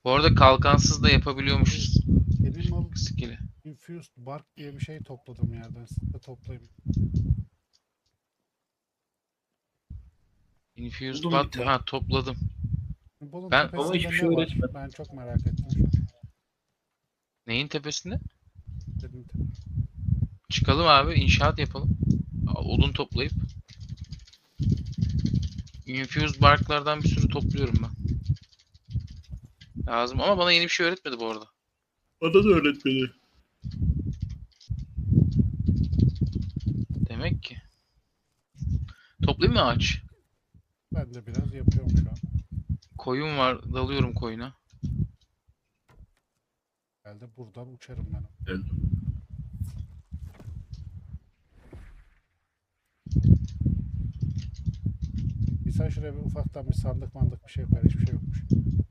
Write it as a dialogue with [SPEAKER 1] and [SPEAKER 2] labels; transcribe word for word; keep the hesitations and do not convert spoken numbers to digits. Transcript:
[SPEAKER 1] Bu arada kalkansız da yapabiliyormuşuz
[SPEAKER 2] Benim o
[SPEAKER 1] skill'i.
[SPEAKER 2] infused bark diye bir şey topladım yerden. Siz de toplayın.
[SPEAKER 1] Infused
[SPEAKER 3] Buldum bir
[SPEAKER 1] bat
[SPEAKER 3] tane.
[SPEAKER 1] ha topladım.
[SPEAKER 2] Bolun
[SPEAKER 1] Ben
[SPEAKER 3] Ama
[SPEAKER 2] tepesinde
[SPEAKER 3] hiçbir şey
[SPEAKER 2] ne var?
[SPEAKER 3] öğretmedi.
[SPEAKER 2] Ben çok merak ettim şu an.
[SPEAKER 1] neyin tepesinde?
[SPEAKER 2] Dedim tepe.
[SPEAKER 1] Çıkalım abi inşaat yapalım. Odun toplayıp. Infused barklardan bir sürü topluyorum ben. Lazım ama bana yeni bir şey öğretmedi bu arada.
[SPEAKER 3] Bana da öğretmedi.
[SPEAKER 1] Demek ki. Toplayayım mı ağaç?
[SPEAKER 2] Ben de biraz yapıyorum şu an.
[SPEAKER 1] Koyun var dalıyorum koyuna.
[SPEAKER 2] Herhalde buradan uçarım ben.
[SPEAKER 3] Geldim.
[SPEAKER 2] Bir sen şuraya bir ufaktan bir sandık mandık bir şey koyar. Hiçbir şey yokmuş.